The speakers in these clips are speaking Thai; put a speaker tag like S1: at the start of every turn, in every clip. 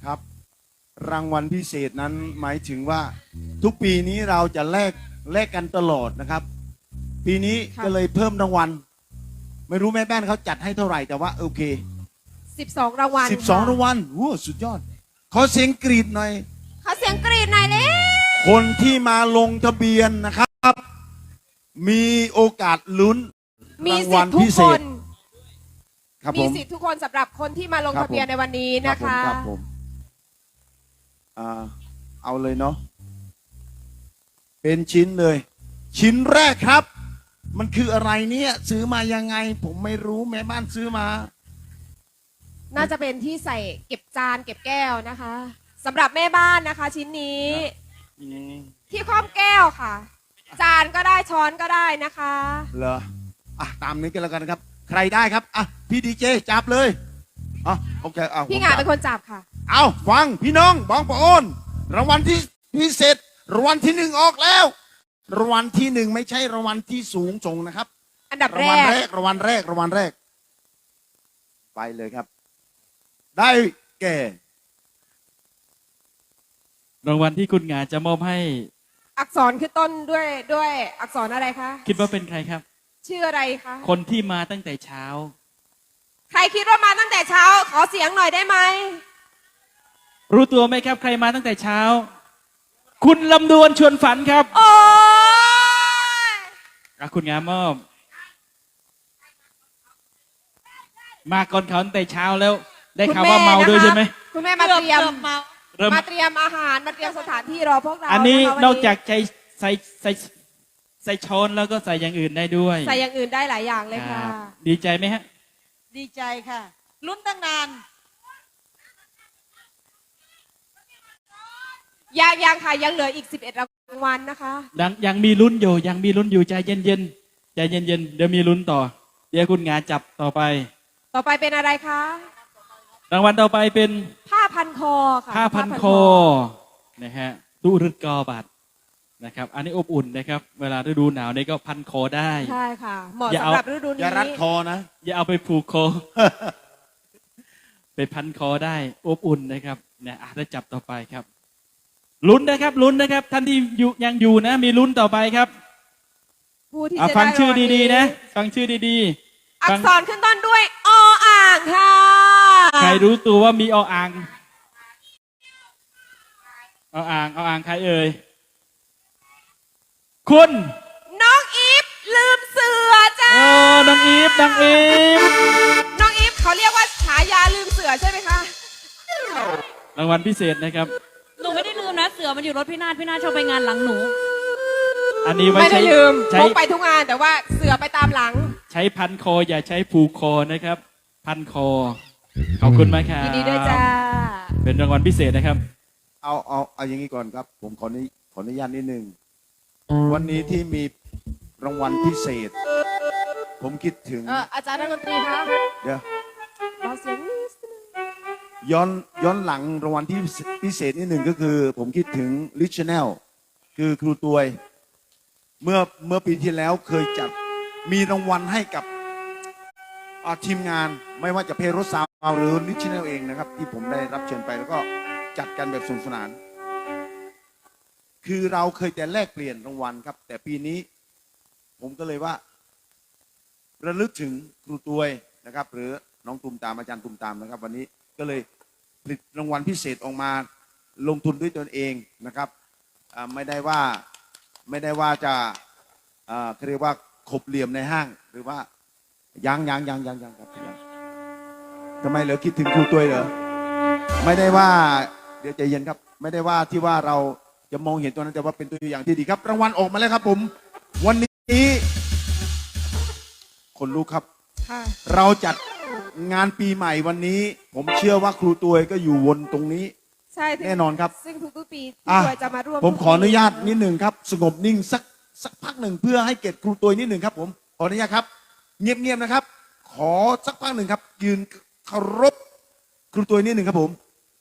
S1: ครับรางวัลพิเศษนั้นหมายถึงว่าทุกปีนี้เราจะแลกกันตลอดนะครับ ปีนี้
S2: ค่ะ
S1: ก็เลยเพิ่มรางวัล ไม่รู้แม่แป้นเขาจัดให้เท่าไหร่แต่ว่าโอเค
S2: 12 รางวัล
S1: 12 รางวัลโอ้สุดยอด ขอเสียงกรีดหน่อย
S2: ขอเสียงกรีดหน่อยเลย
S1: คนที่มาลงทะเบียนนะครับ มีโอกาสลุ้น
S2: มี
S1: ราง
S2: สิ
S1: วั
S2: ท
S1: ล
S2: ธิ์ทุ
S1: พิ
S2: ก
S1: เศ
S2: ค
S1: ษ
S2: น
S1: ครับ
S2: มี
S1: ผม
S2: สิทธิ์ทุกคนสำหรับคนที่มาลง
S1: ครับ
S2: ทะเบียน
S1: ผม
S2: ในวันนี้
S1: ครั
S2: นะ
S1: บผม
S2: คะ
S1: ครับผมเอาเลยเนาะเป็นชิ้นเลย ชิ้นแรกครับ มันคืออะไรเนี่ยซื้อมายังไง ผมไม่รู้แม่บ้านซื้อมา
S2: น่าจะเป็นที่ใส่เก็บจานเก็บแก้วนะคะสำหรับแม่บ้านนะคะ ชิ้นนี้ ที่คว่ำแก้วค่ะ จานก็ได้ช้อนก็ได้นะคะ
S1: เหรอตามนี้กันแล้วกันครับ ใครได้ครับพี่ดีเจจับเลยโอเค
S2: พี่หงา
S1: ผมจับ
S2: เป็นคนจับค่ะ
S1: เอาฟังพี่น้องบางปะโอนรางวัลที่พิเศษรางวัลที่ 1ออกแล้วรางวัลที่ 1ไม่ใช่รางวัลที่สูงส่งนะครับ
S2: อันดับ
S1: ราง
S2: แร
S1: วัล
S2: ก
S1: แรกรางวัลแรกรางวัลแรก ไปเลยครับ ได้แก่
S3: รางวัลที่คุณหงาจะมอบให้
S2: อักษรขึ้นต้นด้วยอักษรอะไรคะ
S3: คิดว่าเป็นใครครับ
S2: ชื่ออะไรคะ
S3: คนที่มาตั้งแต่เช้า
S2: ใครคิดว่ามาตั้งแต่เช้า ขอเสียงหน่อยได้ไหม
S3: รู้ตัวไหมครับ ใครมาตั้งแต่เช้า คุณลำดวนชวนฝันครับ
S2: โอ้ย
S3: คุณหงามอบ มาก่อนเขาตั้งแต่เช้าแล้ว ได้ข่าวว่าเมาด้วยใช่ไหม
S2: คุณแม่มาเตรียม
S3: เริ่ม
S2: มาเตรียมอาหารมาเตรียมสถานที่รอพวกเรา
S3: อันนี้
S2: ะคะวัน
S3: นอกจากใส่ช้อนแล้วก็ใส่อย่างอื่นได้ด้วย
S2: ใส่อย่างอื่นได้หลายอย่างเลยค่ะ
S3: รับดีใจไหมฮะ
S4: ดีใจค่ะ ลุ้นตั้งนาน
S2: ยังค่ะยังเหลืออีก 11 รางวัลนะคะ
S3: ยังมีลุ้นอยู่ยังมีลุ้นอยู่ใจเย็นๆใจเย็นๆเดี๋ยวมีลุ้นต่อ เดี๋ยวคุณหงาจับต่อไป
S2: ต่อไปเป็นอะไรคะ
S3: รางวัลต่อไปเป็น
S2: ผ้าพันคอค่ะ
S3: ผ้าพันคอนะฮะตุรึกอบัตรนะครับ อันนี้อบอุ่นนะครับ เวลาฤดูหนาวนี่ก็พันคอได้
S2: ใช่ค่ะ เหมาะ
S3: อย่า
S2: สำ
S3: เอา
S2: หรับฤดู
S1: อ
S2: นี้
S1: ย่ารัดคอนะ
S3: อย่าเอาไปผูกคอ ไปพันคอได้อบอุ่นนะครับเนี่ยได้จับต่อไปครับลุ้นนะครับลุ้นนะครับ ท่านที่ยังอยู่นะ มีลุ้นต่อไปครับ
S2: ผู้ที่จะ
S3: ฟัง
S2: ได้
S3: ชื่อ
S2: รางวัล
S3: ดีๆนะ ฟังชื่อดีๆ
S2: อั
S3: ฟั
S2: ก
S3: ง
S2: ษรขึ้นต้นด้วยออ่างค่ะ
S3: ใครรู้ตัวว่ามีออ่างออ่างใครเอ่ยคุณ
S2: น้องอีฟลืมเสือจ้า
S3: น้องอีฟน้องอีฟ
S2: น้องอีฟเขาเรียกว่าฉายาลืมเสือใช่ไหมคะ
S3: รางวัลพิเศษนะครับ
S5: หนูไม่ได้ลืมนะ เสือมันอยู่รถพี่นาฏชอบไปงานหลังหนู
S3: อันนี้ไว้
S2: ไม่ได้
S3: ใช้
S2: ลืม
S3: ใช้
S2: พกไปทุกงานแต่ว่าเสือไปตามหลัง
S3: ใช้พันคออย่าใช้ผูกคอนะครับ พันคอขอบคุณมากครับ
S2: ยินดีด้วยจ้า
S3: เป็นรางวัลพิเศษนะครับ
S1: เอาอย่างนี้ก่อนครับ ผมขออนุญาตนิดนึงวันนี้ที่มีรางวัลพิเศษ ผมคิดถึง
S2: อาจารย์นักดนตรีคะ
S1: เดี๋ยว
S2: ขอเสียงนิดนึง
S1: ย้อนหลังรางวัลที่พิเศษนิดหนึ่งก็คือ ผมคิดถึงลิชแนลคือครูตวยเมื่อปีที่แล้วเคยจัดมีรางวัลให้กับทีมงานไม่ว่าจะเพโรสาวหรือลิชแนลเองนะครับ ที่ผมได้รับเชิญไปแล้วก็จัดกันแบบสนุกสนาน คือเราเคยแต่แลกเปลี่ยนรางวัลครับ แต่ปีนี้ผมก็เลยว่า ระลึกถึงครูตวยนะครับ หรือน้องตุมตามอาจารย์ตุมตามนะครับ วันนี้ก็เลยผลิตรางวัลพิเศษออกมาลงทุนด้วยตนเองนะครับไม่ได้ว่าจะเขาเรียกว่าขบเหลี่ยมในห้าง หรือว่ายังครับยังทำไมเหรอคิดถึงครูตวยเหรอไม่ได้ว่าเดี๋ยวใจเย็นครับ ไม่ได้ว่าที่ว่าเราจะมองเห็นตัวนั้นแต่ว่าเป็นตัวอย่างที่ดีครับ รางวัลออกมาแล้วครับผมวันนี้คนรู้ครับ
S2: ค่ะ
S1: เราจัดงานปีใหม่วันนี้ ผมเชื่อว่าครูตวยก็อยู่วนตรงนี้
S2: ใช่
S1: แน่นอนครับ
S2: ซึ่งทุกๆปี
S1: อ่ะ
S2: ที่ตัวจะมาร่วม
S1: ผมขออนุญาตนิดหนึ่งครับ สงบนิ่งสักพักหนึ่งเพื่อให้เกียรติครูตวยนิดหนึ่งครับ ผมขออนุญาตครับ เงียบๆนะครับ ขอสักพักหนึ่งครับ ยืนเคารพครูตวยนิดหนึ่งครับผม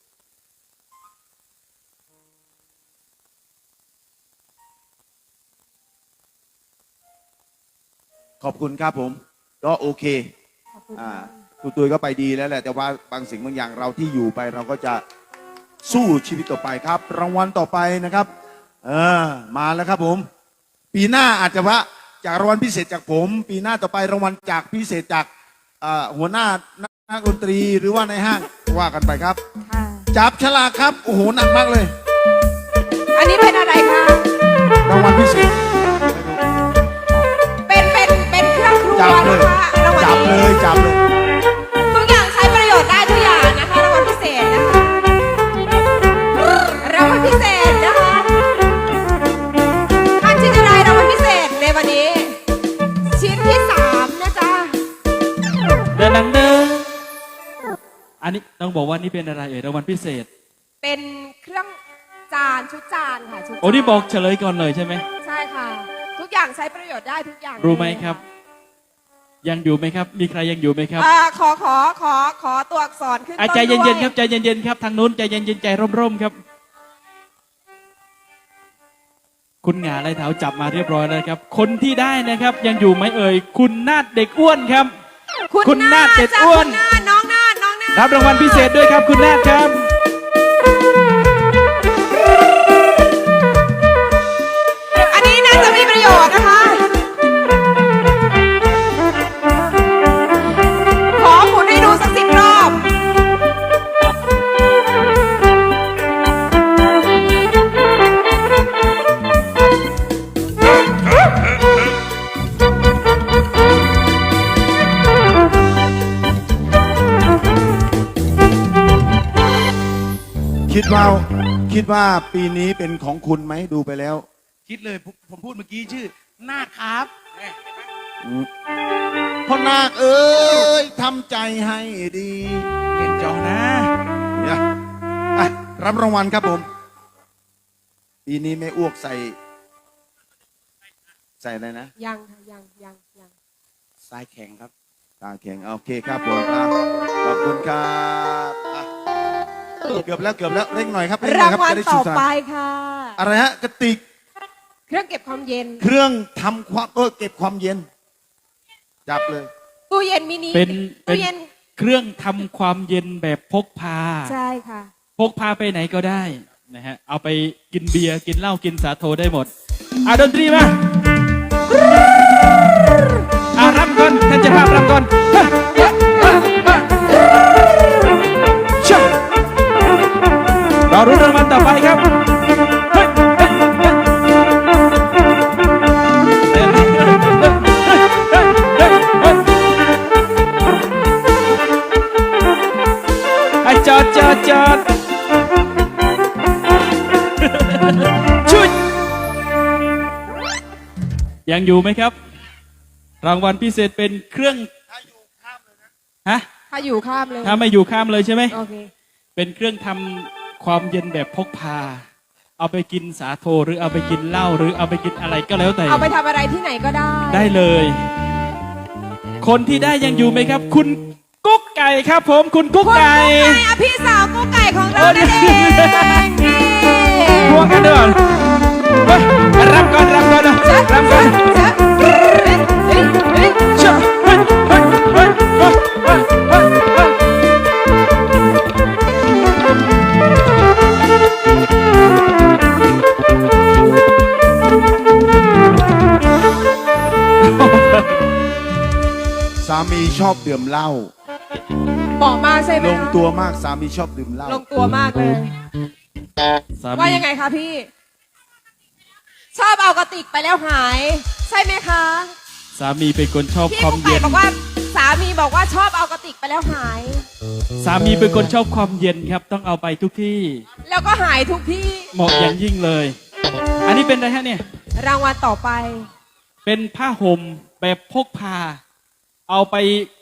S1: ขอบคุณครับผมก็โอเค ครูตุยก็ไปดีแล้วแหละแต่ว่าบางสิ่งบางอย่างเราที่อยู่ไปเราก็จะสู้ชีวิตต่อไปครับ รางวัลต่อไปนะครับมาแล้วครับผม ปีหน้าอาจจะว่าจากรางวัลพิเศษจากผม ปีหน้าต่อไปรางวัลจากพิเศษจากหัวหน้านักดนตรีหรือว่าในห้างว่ากันไปครับ
S2: ค่ะ
S1: จับฉลากครับโอ้โหหนักมากเลย
S2: อันนี้เป็นอะไรคะ
S1: รางวัลพิเศษ
S2: เป็นเครื่องครัว
S1: จับเลย
S2: นะคะรางวัล
S1: จับเล
S2: นี้
S1: ยจับเลย
S2: ทุกอย่างใช้ประโยชน์ได้ทุกอย่างนะคะรางวัลพิเศษนะคะรางวัลพิเศษนะคะท่านที่จะได้รางวัลพิเศษในวันนี้ ชิ้นที่3นะจ๊ะ
S3: เดินดังเดินอันนี้ต้องบอกว่านี่เป็นอะไรรางวัลพิเศษ
S2: เป็นเครื่องจานชุดจานค่ะชุดจาน
S3: โอ้นี่บอกเฉลยก่อนเลยใช่ไหม
S2: ใช่ค่ะ ทุกอย่างใช้ประโยชน์ได้ทุกอย่าง
S3: รู้ไหมครับ ยังอยู่ไหมครับ มีใครยังอยู่ไหมครับ
S2: ขอตัวอักษรขึ้นต้น
S3: ใจ
S2: ด้วย
S3: เย็นๆครับใจเย็นๆครับทางนู้นใจเย็นๆใจร่มๆครับ คุณหงาไรเท้าจับมาเรียบร้อยแล้วครับ คนที่ได้นะครับ ยังอยู่ไหมเอ่ยคุณนาดเด็กอ้วนครับ คุณนาฏเด็ด
S2: จ้ะ
S3: อ้วน
S2: คุณนาฏน้องนาฏน้องนาฏ
S3: รับรางวัลพิเศษด้วยครับ คุณนาดครับ
S2: อันนี้น่าจะมีประโยชน์นะคะ ขอหมุนให้ดูสัก10 รอบ
S1: คิดว่าปีนี้เป็นของคุณไหมดูไปแล้ว
S6: คิดเลยผมพูดเมื่อกี้ชื่อนาคครับ
S1: พ่อนาคเอ้ยทำใจให้ดี
S6: เล่นจอนะ
S1: เนี่ยอ่ะรับรางวัลครับผม ปีนี้ไม่อ้วกใส่อะไรนะ
S2: ยังค่ะยัง
S6: ทรายแข็งครับ
S1: ตาแข็งโอเคครับผมอ่ะขอบคุณครับอ่ะเกือบแล้วเร่งหน่อยครับเร่งหน่
S2: รา
S1: อย
S2: ง
S1: ครับ
S2: วัล
S1: จะได้
S2: ต่
S1: สุ
S2: อ
S1: ดสนา
S2: ไป
S1: น
S2: ค่ะ
S1: อะไรฮะกระติก
S2: เครื่องเก็บความเย็น
S1: เครื่องทำความเก็บความเย็น จับเลย
S2: ตู้เย็นมินิ
S3: เป็น
S2: ตู้เย็น
S3: เครื่องทำความเย็นแบบพกพา
S2: ใช่ค่ะ
S3: พกพาไปไหนก็ได้นะฮะเอาไปกินเบียร์กินเหล้ากินสาโทได้หมดดนตรีมารับก่อนท่านเจะภาพรับก่อนรอรุ้นรางวัลต่อไปครับจอดชุดยังอยู่ไหมครับ รางวัลพิเศษเป็นเครื่องฮะ
S2: ถ้าอยู่ข้ามเลย
S3: ถ้าไม่อยู่ข้ามเลยใช่ไหม
S2: โอเค
S3: เป็นเครื่องทำความเย็นแบบพกพา เอาไปกินสาโทหรือเอาไปกินเหล้าหรือเอาไปกินอะไรก็แล้วแต่
S2: เอาไปทำอะไรที่ไหนก็ได้
S3: ได้เลย คนที่ได้ยังอยู่ไหมครับ คุณกุ๊กไก่ครับผมคุณกุ๊กไก่
S2: พี่สาวกุ๊กไก่ของเรานั่นเองนี่
S3: พวงกันด้วยเฮ้ยรับก่อนนะรับก่อนเชื่อเฮ้ย
S1: สามีชอบดื่มเหล้า
S2: เหมาะมากใช่ไหม
S1: ลง
S2: คะ
S1: ตัวมากสามีชอบดื่มเหล้า
S2: ลงตัวมากเลย
S3: สามี
S2: ว่ายังไงคะพี่ ชอบเอากระติกไปแล้วหาย ใช่ไหมคะ
S3: สามีเป็นคนชอบ
S2: พี่
S3: ความ
S2: กุ๊กไก่
S3: เย็น
S2: บอกว่าสามีบอกว่าชอบเอากระติกไปแล้วหาย
S3: สามีเป็นคนชอบความเย็นครับ ต้องเอาไปทุกที่
S2: แล้วก็หายทุกที่
S3: เหมาะอย่างยิ่งเลย อันนี้เป็นอะไรฮะเนี่ย
S2: รางวัลต่อไป
S3: เป็นผ้าห่มแบบพกพา เอาไป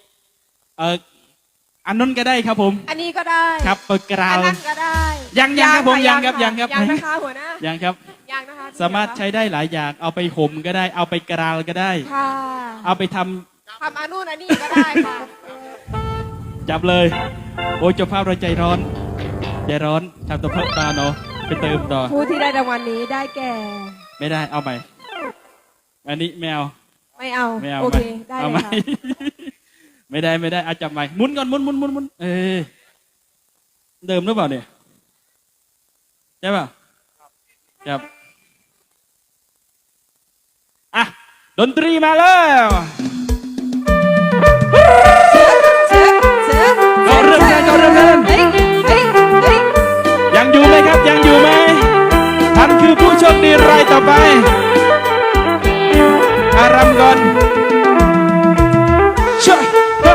S3: อันนั้นก็ได้ครับผม
S2: อันนี้ก็ได้
S3: ครับเปิดกรา
S2: อัน
S3: ว
S2: นั้นก็ได้
S3: ยังครับผมยังครับ
S2: ะ
S3: ยังครับ
S2: ยังนะคะหัวหน้า
S3: ยังครับ
S2: ยังนะคะ
S3: สามารถใช้ได้หลายอย่าง เอาไปห่มก็ได้ เอาไปกราวก็ได้
S2: ค่ะ
S3: เอาไปทำ
S2: ทำอันนู่นอันนี้ก็ได้ค่ะ
S3: จับเลย โอ้ยเจ้าภาพเราใจร้อนทำตัวเพิ่มตาเนาะไปเติมต่อ
S2: ผู้ที่ได้รางวัลนี้ได้แก่
S3: ไม่ได้เอาใหม่ อันนี้ไม่เอา
S2: ไม่เอา
S3: ไม่เอา
S2: โอ
S3: ใหม่
S2: เคได้
S3: เอา
S2: เล
S3: ใหม่
S2: ยค่ะ
S3: ไม่ได้เอาจับใหม่หมุนก่อนหมุนเดิมหรือเปล่าเนี่ยช่ป่ะครับอ่ะดนตรีมาแล้ว ก็เริ่มกันก็เริ่มกัน
S2: เฮ้ยเฮ้ยเฮ้ย
S3: ยังอยู่ไหมครับยังอยู่ไหมท่านคือผู้โชคดีรายต่อไปอารำก่อนช่วย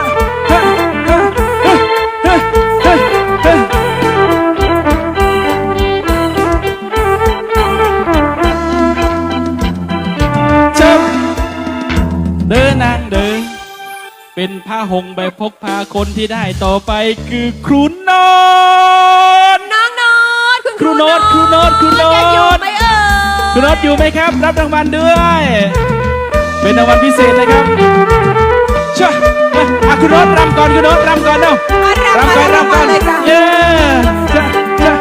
S3: เดินนางเดินเป็นผ้าหงใบพกพาคนที่ได้ต่อไปคือครูโนน
S2: น้องโนดคุณ
S3: ครูโนดครูโนดครูโนด
S2: ยังอยู่ไหมเอ่ย
S3: ครูโนดอยู่ไหมครับ รับรางวัลด้วย เป็นรางวัลพิเศษนะครับเช่ะครูโนดรำก่อนครูโนดรำก่อนเนาะรำก่อนรำก่อน
S2: เลยจ้ะ
S3: เย้จ้ะจ้ะ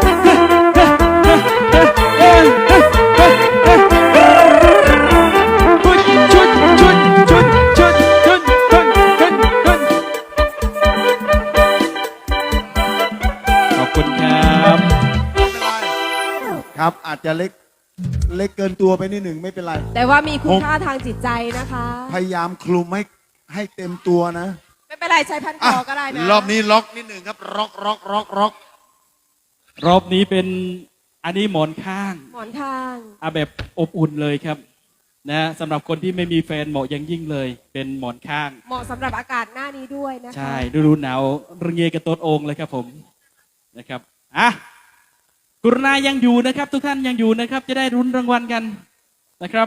S3: ชุดชุดชุดชุดชุดชุดชุดชุดขอบคุณครับ
S1: ครับอาจจะเล็กเกินตัวไปนิดหนึ่งไม่เป็นไร
S2: แต่ว่ามีคุณค่าทางจิตใจนะคะ
S1: พยายามคลุมให้เต็มตัวนะ
S2: ไม่เป็นไรใช้พันคอก็ได้นะ
S1: รอบนี้ล็อกนิดหนึ่งครับล็อก
S3: รอบนี้เป็นอันนี้หมอนข้าง
S2: หมอนข้าง
S3: แบบอบอุ่นเลยครับนะสำหรับคนที่ไม่มีแฟนเหมาะอย่างยิ่งเลย เป็นหมอนข้าง
S2: เหมาะสำหรับอากาศหน้านี้ด้วยนะคะ
S3: ใช่ฤดูหนาวระเงยกระโตดโองเลยครับผมนะครับอ่ะกรุณายังอยู่นะครับ ทุกท่านยังอยู่นะครับ จะได้รุ้นรางวัลกันนะครับ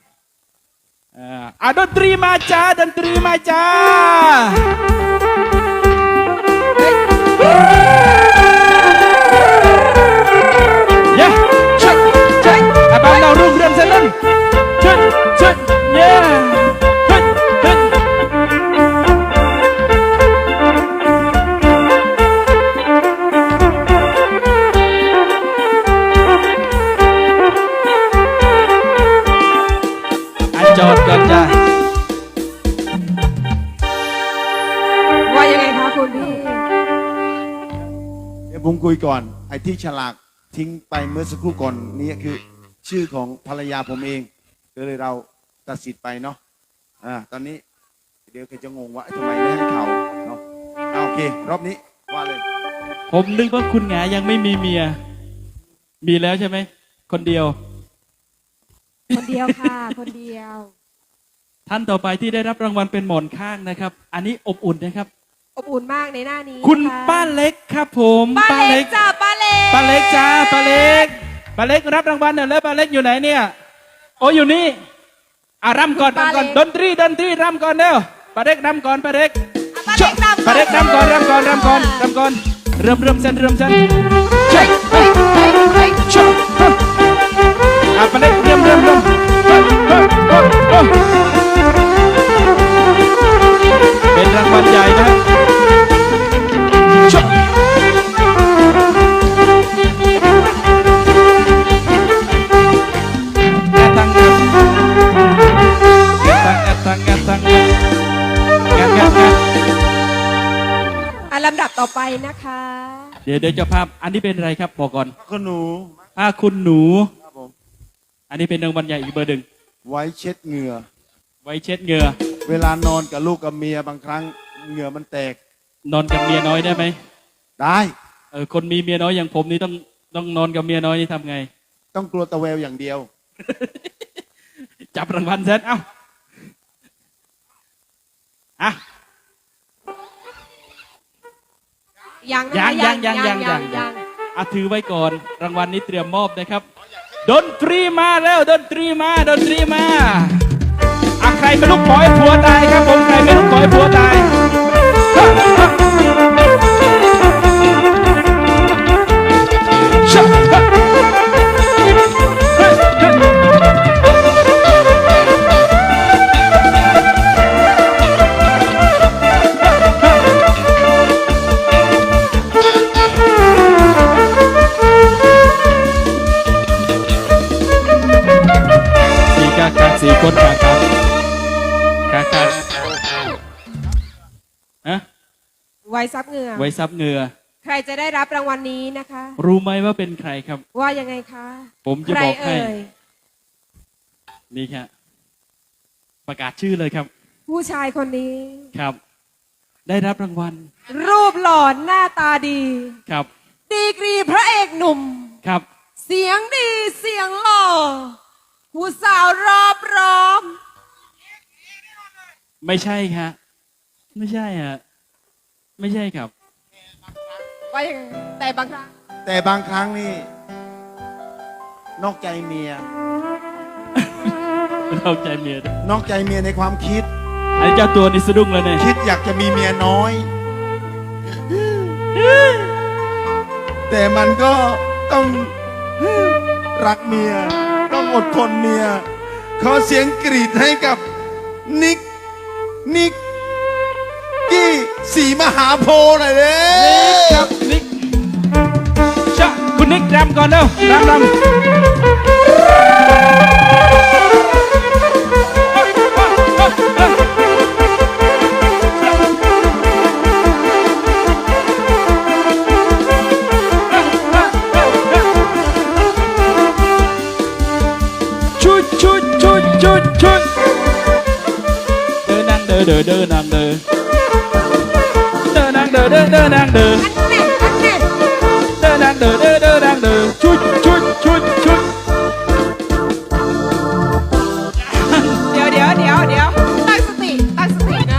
S3: ดนตรีมาจ้าดนตรีมาจ้าเย้ชุดชุดบ้านเรารุ่งเรืองเสนนชุดชุดเย้ชุดชุดจอดก่อนจ้า
S2: ว่ายังไงคะคุณพี่
S1: เดี๋ยวผมคุยก่อนไอ้ที่ฉลากทิ้งไปเมื่อสักครู่ก่อนนี้คือชื่อของภรรยาผมเองก็เลยเราตัดสิทธิ์ไปเนาะตอนนี้เดี๋ยวแกจะงงว่าทำไมไม่ให้เขาเนาะโอเครอบนี้ว่าเลย
S3: ผมนึกว่าคุณหงายังไม่มีเมีย มีแล้วใช่ไหมคนเดียว
S2: คนเดียวค่ะ คนเดียว
S3: ท่านต่อไปที่ได้รับรางวัลเป็นหมอนข้างนะครับ อันนี้อบอุ่นนะครับ
S2: อบอุ่นมากในหน้านี้
S3: คุณ
S2: นะะ
S3: ป้าเล็กครับผม
S2: ป้าเล็กจ้าป้าเล็ก
S3: ป้าเล็กจ้าป้าเล็กป้าเล็กรับรางวัลหน่อยแล้วป้าเล็กอยู่ไหนเนี่ยโอ้อยู่นี่รำก่อนรำก่อนดนตรีรำก่อนเร็วป้าเล็กรำก่อนป้าเล็ก
S2: ป้าเล็กรำ
S3: ป้าเล็กรำก่อนรำก่อนเริ่มเส้นเช็ค
S2: เฮ้ยเฮ้ยเฮ้ย
S3: ป้าเล็กเริ่มเป็นรางวัลใหญ่นะ
S2: ลำดับต่อไปนะคะ
S3: เดี๋ยวเจ้าภาพอันนี้เป็นอะไรครับบอกก่อน
S1: คุณหนู
S3: ผ้าคุณหนู
S1: ครับผม
S3: อันนี้เป็นรางวัลใหญ่อีกเบอร์หนึ่ง
S1: ไว้เช็ดเหงื่อ
S3: ไว้เช็ดเหงื่อ
S1: เวลานอนกับลูกกับเมียบางครั้งเหงื่อมันแตก
S3: นอนกับเมียน้อยได้ไหม
S1: ได้
S3: คนมีเมียน้อยอย่างผมนี่ต้องนอนกับเมียน้อยนี่ทำไง
S1: ต้องกลัวตะแววอย่างเดียว
S3: จับรางวัลเสร็จเอ้าอ่ะ
S2: ยัง
S3: ถือไว้ก่อนรางวัลนี้เตรียมมอบนะครับดนตรีมาแล้วดนตรีมาใครไม่ลุกขอให้ผัวตายครับผมใครไม่ลุกขอให้ผัวตายสี่คนครับฮะ
S2: ไว้ซับเหงื่อ
S3: ไว้ซับเหงื่อ
S2: ใครจะได้รับรางวัลนี้นะคะ
S3: รู้ไหมว่าเป็นใครครับ
S2: ว่ายังไงคะ
S3: ผมจะ
S2: ใคร
S3: บอกให้
S2: เอ่ย
S3: นี่ครับประกาศชื่อเลยครับ
S2: ผู้ชายคนนี้
S3: ครับ ได้รับรางวัล
S2: รูปหล่อหน้าตาดี
S3: ครับ
S2: ดีกรีพระเอกหนุ่ม
S3: ครับ
S2: เสียงดีเสียงหล่อผู้สาวรอบร้อม
S3: ไม่ใช่ครับไม่ใช่ฮะไม่ใช่ครับ
S2: ว่ายังไงแต่บางครั้ง
S1: แต่บางครั้งนี่ นอกใจเมีย
S3: เราใจเมียด้วย
S1: นอกใจเมียในความคิด
S3: ไอ้เจ้าตัวนี่สะดุ้งเลยเนี่ย
S1: คิดอยากจะมีเมียน้อย แต่มันก็ต้องรักเมีย ต้องอดทนเมีย ขอเสียงกรีดให้กับนิกกี้สีมหาโพธิ์หน่อยเลย
S3: ครับนิกชะคุณนิกรำก่อนเร็วรำชุดเดินนางเดินนางเดินนางเดิน
S2: อันเน็ต
S3: เดินนางเดินชุด
S2: เดี๋ยวตั้งสตินะ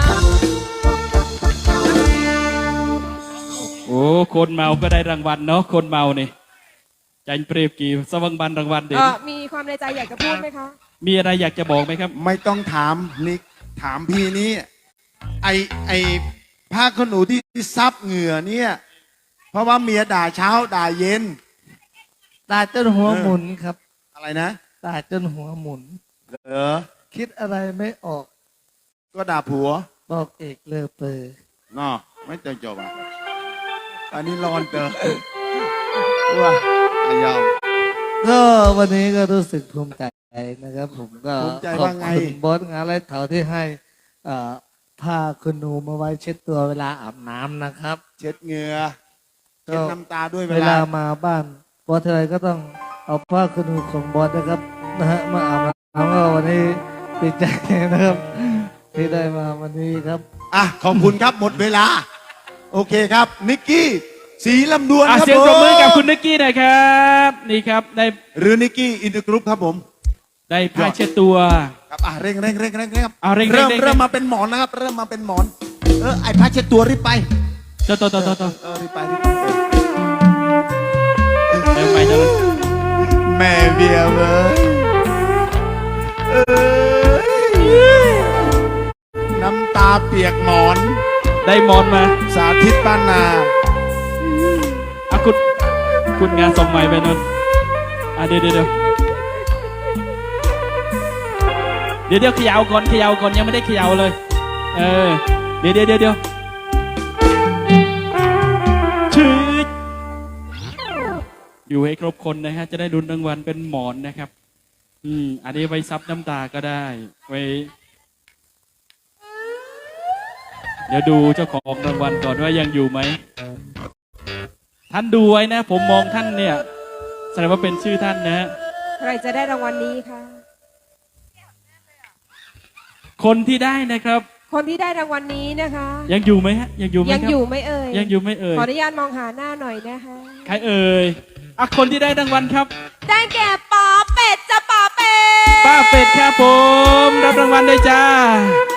S3: โอ้คนเมาก็ได้รางวัลเนาะคนเมานี่จันเปรียบกี่สวังบันรางวัลเด็ด
S2: มีความในใจอยากจะพูดไหมคะ
S3: มีอะไรอยากจะบอกไหมครับ
S1: ไม่ต้องถามนิกถามพี่นี้ ไอผ้าขนหนูที่ซับเหงื่อเนี่ย เพราะว่าเมียด่าเช้าด่าเย็น
S7: ด่าจนหัวหมุนครับ
S1: อะไรนะ
S7: ด่าจนหัวหมุน
S1: เออ
S7: คิดอะไรไม่ออก
S1: ก็ด่าผัว
S7: บอกเอกเลอเปอร์
S1: เนาะไม่เจอจบอ่ะอันนี้ร้อนเตอว่าอายาว
S7: ก็วันนี้ก็รู้สึกภูมิใจนะครับ ผมก็
S1: ภูมิใจ
S7: ขอบ
S1: ว่าไง
S7: คุณบอสงานไรเถาที่ให้ผ้าคุณหนูมาไว้เช็ดตัวเวลาอาบน้ำนะครับ
S1: เช็ดเหงื่อ
S7: ก็
S1: เช็ดน้ำตาด้วย
S7: เวลามาบ้านบอสทีไรก็ต้องเอาผ้าคุณหนูของบอสนะครับนะฮะมาอาบน้ำก็วันนี้ดีใจนะครับ ที่ได้มาวันนี้ครับ
S1: อ่ะขอบคุณครับหมดเวลา โอเคครับ นิกกี้สีลำดวนครับ
S3: เสียงปรบมือกับคุณ
S1: ผม
S3: นิกกี้หน่อยครับนี่ครับได้
S1: หรือนิกกี้อินเตอร์กรุ๊ปครับผม
S3: ได้ผ้าเช็ดตัว
S1: ครับเร่งครับ
S3: เอาเร่ง
S1: เริ่ม
S3: เร่ง
S1: เริ่มมาเป็นหมอนนะครับ เริ่มมาเป็นหมอนไอ้ผ้าเช็ดตัวรีบไป
S3: ต่อ
S1: รีบไป
S3: เดี๋ยวไปเดี๋ยว
S1: แม่เบียร์เว้ยน้ำตาเปียกหมอน
S3: ได้มอนมา
S1: สาธิตบ้านนา
S3: คุณงานสมใหม่ไปนนเดี๋ยวเขย่าก่อนยังไม่ได้เขย่าเลยเดี๋ยวชืดอยู่ให้ครบคนนะฮะจะได้รุนรางวัลเป็นหมอนนะครับอันนี้ไว้ซับน้ำตาก็ได้ไว้เดี๋ยวดูเจ้าของรางวัลก่อนว่ายังอยู่ไหมท่านดูไว้นะ ผมมองท่านเนี่ยแสดงว่าเป็นชื่อท่านนะ
S2: ใครจะได้รางวัลนี้คะ
S3: คนที่ได้นะครับ
S2: คนที่ได้รางวัลนี้นะคะ
S3: ยังอยู่ไหมฮะยังอยู่ไหม
S2: ยัง
S3: ครับ
S2: อยู่ไหม่เอ่ย
S3: ยังอยู่ไหม่เอ่ย
S2: ขออนุญาตมองหาหน้าหน่อยนะคะ
S3: ใครเอ่ยคนที่ได้รางวัลครับ
S2: ได้แก่ป๋อเป็ดจะป๋อเป็ด
S3: ป้าเป็ดครับผมรับรางวัลด้วยจ้า